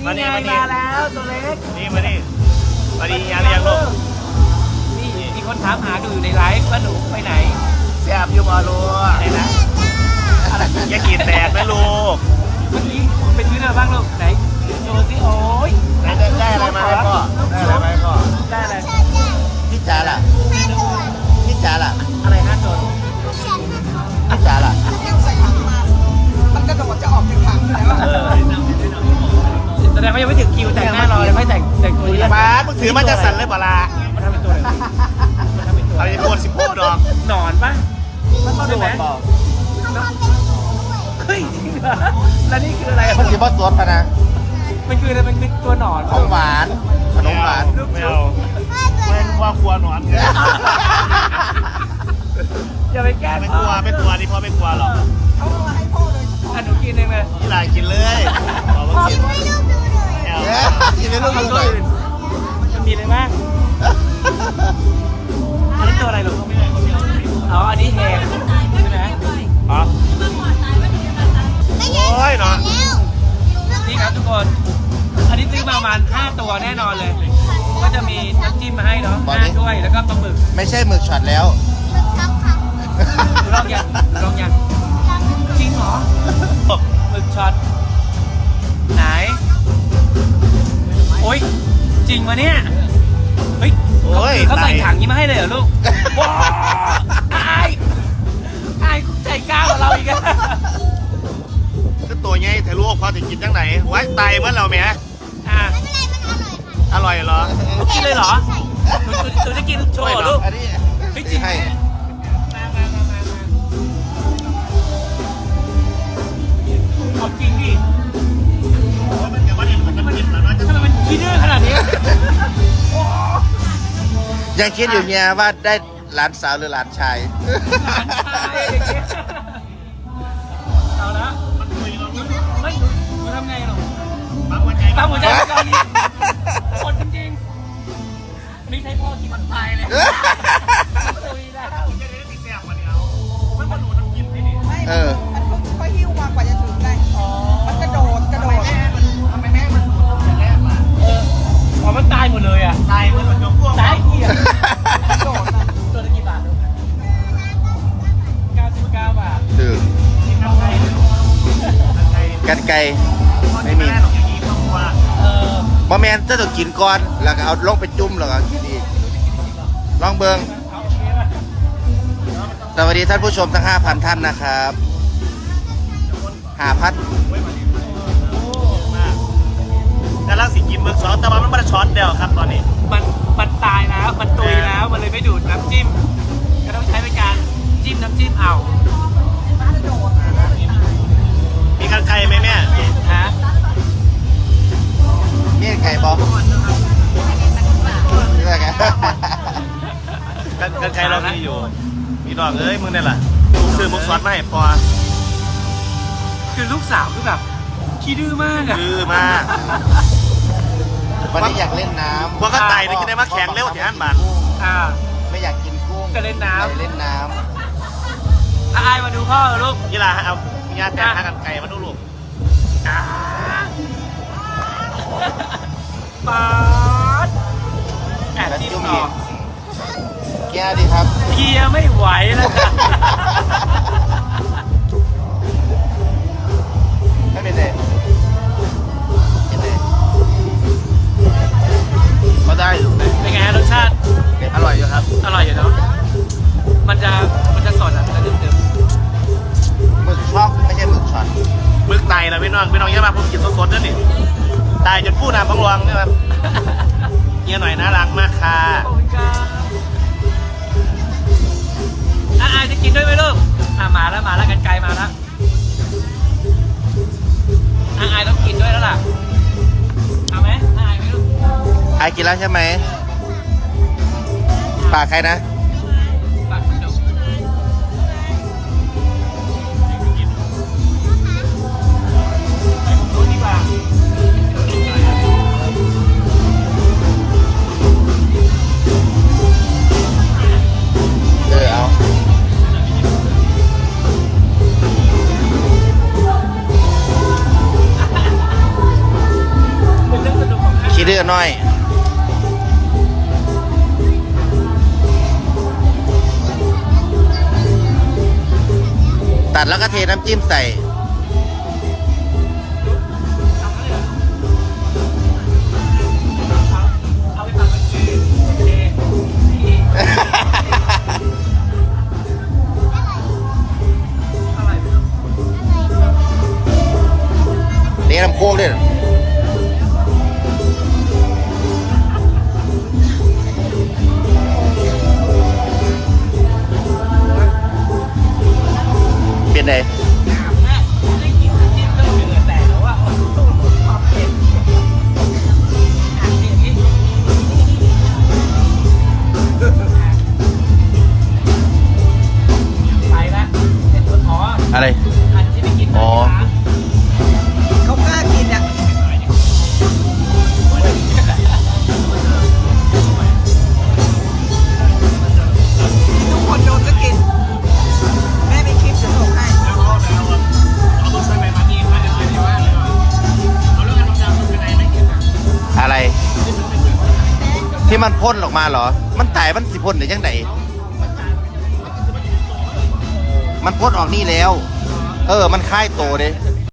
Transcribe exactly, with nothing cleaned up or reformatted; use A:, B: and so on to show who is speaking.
A: มานี่
B: ไง
A: มานี่
B: มาแล้วตัวเล็ก
A: นี่มานี่มาดียังเรียงลูก
B: นี่มีคนถามหาดูอยู่ในไลฟ์ว่าหนูไปไหน
A: แซ่บอยู่บ่ลูก
B: อะไรนะอะไร
A: อย่าขีดแตกนะลูก
B: เมื่อกี้เป็นชื่ออะไรบ้างลูกไหนโชว์สิโอ้ย
A: ได้ได้ได้อะไรมาให้พ่อได้อะไรมาให้พ่อ
B: ได้อะไร
C: พี่จ๋าล่ะพี่จ๋าล่ะ
B: อะไรฮะโจน
C: พี่จ๋าล่ะ
D: มันกระโดดจะออกจากถังอยู่แล้ว
A: เออ
B: แสดงว่ายังไม่ถึงคิวแต่งหน้ารอเลยไม่แต่งแต่งตัวนี้
A: ป้ามึงถือมาจะสั่นเลยบ่ล่ะ
B: มันทำเป็นตัวอะไรมันทำเป็นตัว
A: เอาไปปวดสิบหกดอก
B: หนอนปะ
C: มันมาโด
B: ใช่ไหม
C: ดเปล่า
B: เฮ้ยจริงเหรอแล้วนี่คืออะไร
C: มันสิบ่สวนพะนะ
B: มันคืออะไรมันคือตัวหนอน
C: ของหวานขนมหวาน
A: ไม่เอาไม่ว่ากลัวหนอนเนี่ย
B: อย่าไปแกล้ง
A: ไม่กลัวไม่กลัวนี่พ่อไม่กลัวหรอก
D: เขาเอามาให้พ่อเลย
B: อ่ะหนูกินเองเลย
A: นี่ลายกินเลยบอกว่ากินไม่เอา
C: เอ๊ะกินในลูก
B: มัน
C: ดูหน่อย
B: มันมีอะไรบ้างอันนี้ตัวอะไรลูกอ๋ออันนี้แหงใช่ไหม
A: อ๋อโอ้ยเนาะ
B: นี่ครับทุกคน อันนี้ซื้อมาประมาณห้าตัวแน่นอนเลย ก็จะมีน้ำจิ้มมาให้เนาะห้าด้วยแล้วก็ปลาหมึก
C: ไม่ใช่หมึกช็อตแล้ว
B: ลองยังลองยังจริงเหรอหมึกช็อตไหนโอ้ยจริงมาเนี่ยเฮ้ย
A: โอ้ย
B: เขาใส่ถังนี้มาให้เลยเหรอลูกว้าวอายอายใจกล้ากว่าเราอีกอะ
A: ก็ตัวใหญ่แต่ลูกพอจะกินจังไหนไว้ไตเมื่อเราแหม
B: อ่ะ
A: อร่อยเหรอ
B: กินเลยเหรอหนูหนูหนูจะกินโชว์เหรอลูก
C: อันนี้
B: เฮ้ยจริงไหม
C: ให้
B: มามามามามาเอาจริงดิ
A: มันจะว่าเนี่ยมันจะกินแล้วเนาะจะ
B: ทำไมมันขี้ดื้อขนาดนี้โอ้
C: ยังคิดอยู่เนี่ยว่าได้หลานสาวหรือหลานชาย
B: หลานชายอย่างเงี้ยเอาละ
A: มันคุยเรา
B: ไม่หนูหนูทำไงหรอ
A: ปั๊มหัวใจ
B: ตามหัวใจตอนนี้หมดจริงๆไม่ใช่พ่อกินมันตายเลยตุยแล้ว
A: จะได้ติดแซ่บกว่านี้เอามันมาดูน้ำกินนี่นี่
D: ไม่
C: เออ
D: มันค่อยหิ้วมากว่าจะถึงได้
B: อ๋อ
D: มันกระโดดกระโดด
A: ทำไมแม่มันอย่างแรกมา
B: เอออ๋อมันตายหมดเลยอ่ะ
A: ตายมันเหมือนยกพวก
B: ตายเกี่ยกระโดดอ่ะตัวละกี่บาทลูกเก้าสิบเก้าบาท
C: คือ
A: ทำไงทำไง
C: กันไกลไม่มี
A: หรอกอย่างนี้ครอบครัว
B: เออ
C: บะแมนจะต้องกินก่อนแล้วก็เอาลงไปจุ่มแล้วก็กินอีกลองเบิง
B: เอาโอเคป่ะ
C: สวัสดีท่านผู้ชมทั้ง ห้าพัน ท่านนะครับหาพัด
A: กำลังสิกินเบอร์สองแต่ว่ามันไม่ได้ช็อตเดียวครับตอนนี้
B: มันมันตายแล้วมันตุยแล้วมันเลยไม่ดูดน้ำจิ้มก็ต้องใช้เป็นการจิ้มน้ำจิ้มเอา
A: มีกันไกลไหมแม่
B: ฮะ
C: นี่ไก่บอนี่ไง
A: กันกันไกลเรามีอยู่มีดอกเอ้ยมึงเนี่ยแหละซื้อมุกซอสมาให้พอ
B: คือลูกสาวคือแบบขี้ดื้อมากอะ
A: คือมาก
C: วันนี้อยากเล่นน้ำ
A: พวกก็ไต่นี่กินได้มาแข็งเร็วที่ฮันบัน
B: อ่า
C: ไม่อยากกินกุ้ง
B: ก็เล่นน้ำ
C: ไปเล่นน้
B: อ่ะอายมาดูพ่อเหรอลูก
A: ยี่ลาเอาญาติแต่หากันไกลมาดูลูก
B: อ่าปาดแอบจิ้มต่อ
C: ำแก้ดีครับ
B: เคลียร์ไม่ไหวแล้วค่ะ
C: ไม่เป็นไรเป็นไร
A: ก็ได้อยู่
B: เป็นไงฮะรสชาติ
A: อร่อยอยู่ครับ
B: อร่อยอยู่เนาะมันจะมันจะสดอ่ะมันจะเดิม
C: หมึกช็อกไม่ใช่หมึกช็อต
A: มึกไต่นะพี่น้องพี่น้องเยอะมากผมกินสดๆนั่นนี่ตายจนพูดน้ำพังรวงนะครับ
B: ๆ
A: เฮียหน่อยน่ารักมากค่ะ
B: ขอบคุณครับอ่ะอายจะกินด้วยไหมลูกอ่ะมาแล้วมาแล้วกันไกลมาแล้วอ่ะอายต้องกินด้วยแล้วล่ะเอาไหมอายไหมลูก
C: ไอกินแล้วใช่ไหมฝากใครนะ
B: ฝากคุณดูดูดีกว่า
C: เออเอาน้อย ตัดแล้วก็เทน้ำจิ้มใส่
B: เอาไปตัดเป็นเอเออะไรไม่รู้
C: นี่น้ำโคกด้วยเป็นไง
B: ได้กินจิ้มก็เหลือแต่แล้วว่าความเผ็ดอ่ะนี่อย่างนี้ไปละเห็นคนอ๋อ
C: อะไร
B: อันที่ไปกิน
C: อ๋อ
D: เขากล้ากินอ่ะทุกคนโดนก็กิน แม่มีคลิปจะส่งให้
C: อะไร ที่มันพ่นออกมาเหรอ มันตายมันสิพ่นหรือยังไงมันพ่นออกนี่แล้ว เออ มันค่ายโตเลย
B: จะ